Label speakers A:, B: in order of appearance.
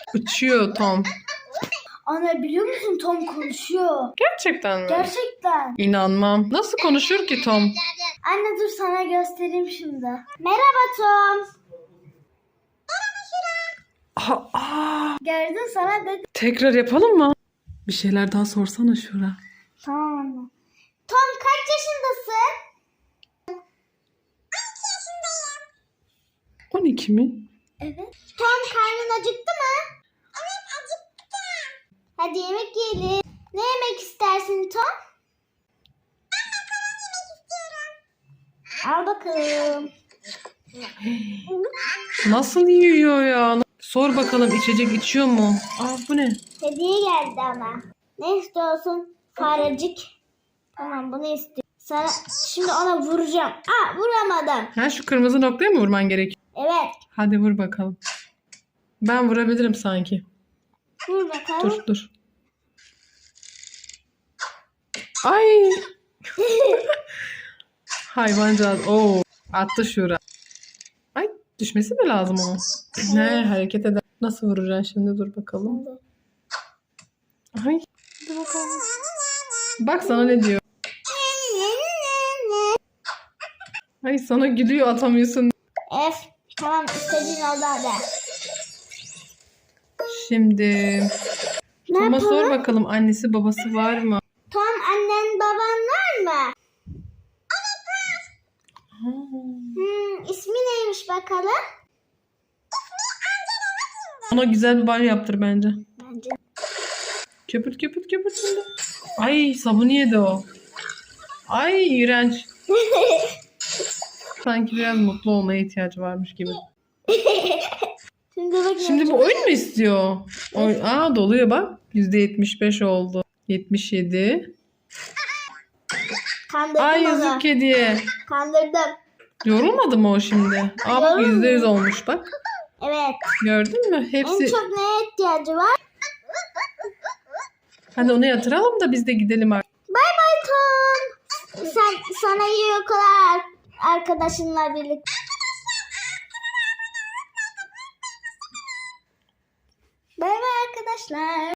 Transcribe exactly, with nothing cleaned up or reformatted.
A: Uçuyor Tom.
B: Ana biliyor musun Tom konuşuyor.
A: Gerçekten mi?
B: Gerçekten.
A: İnanmam. Nasıl konuşur ki Tom?
B: Anne dur sana göstereyim şimdi. Merhaba Tom.
A: Aa, aa.
B: Gördün sana dedim.
A: Tekrar yapalım mı? Bir şeyler daha sorsana Şura.
B: Tamam anne. Tom kaç yaşındasın?
A: on iki mi?
B: Evet. Tom karnın acıktı mı? Evet acıktı. Hadi yemek yiyelim. Ne yemek istersin Tom? Ben makarna yemek istiyorum. Al bakalım.
A: Nasıl yiyor ya? Sor bakalım içecek içiyor mu? Aa bu ne?
B: Hediye geldi ama. Ne istiyorsun? Farecik. Tamam bunu istiyorum. Sana şimdi ona vuracağım. Aa vuramadım.
A: Ha şu kırmızı noktaya mı vurman gerekiyor?
B: Evet.
A: Hadi vur bakalım. Ben vurabilirim sanki.
B: Vur bakalım.
A: Dur dur. Ay. Hayvancağız. Oo. Attı Şura. Ay düşmesi mi lazım onun? Ne hareket eder. Nasıl vuracaksın şimdi? Dur bakalım. Ay.
B: Dur bakalım.
A: Bak sana ne diyor. Ay sana gülüyor atamıyorsun.
B: F. Tamam istediğin oldu hadi.
A: Şimdi
B: Ne
A: Tom'a sor
B: yapalım?
A: bakalım annesi babası var mı?
B: Tom annen baban var mı?
A: Ha.
B: Hmm, ismi neymiş bakalım?
A: Ona güzel bir banyo yaptır bence.
B: Bence.
A: Köpürt köpürt köpürt şimdi. Ay sabunu yedi o. Ay iğrenç. Sanki biraz mutlu olmaya ihtiyacı varmış gibi.
B: Şimdi bak.
A: Şimdi bu oyun mu istiyor? Oy Aa doluyor bak. yüzde yetmiş beş oldu. yetmiş yedi.
B: Kandırdım
A: Ay
B: onu.
A: yazık kediye.
B: Kandırdım.
A: Yorulmadı mı o şimdi? Aa bak yüzde yüz olmuş bak.
B: Evet.
A: Gördün mü?
B: En
A: Hepsi.
B: çok neye ihtiyacı var?
A: Hadi onu yatıralım da biz de gidelim artık.
B: Bay bay Tom. Sen sana iyi uykular arkadaşınla birlikte. Bay bay arkadaşlar.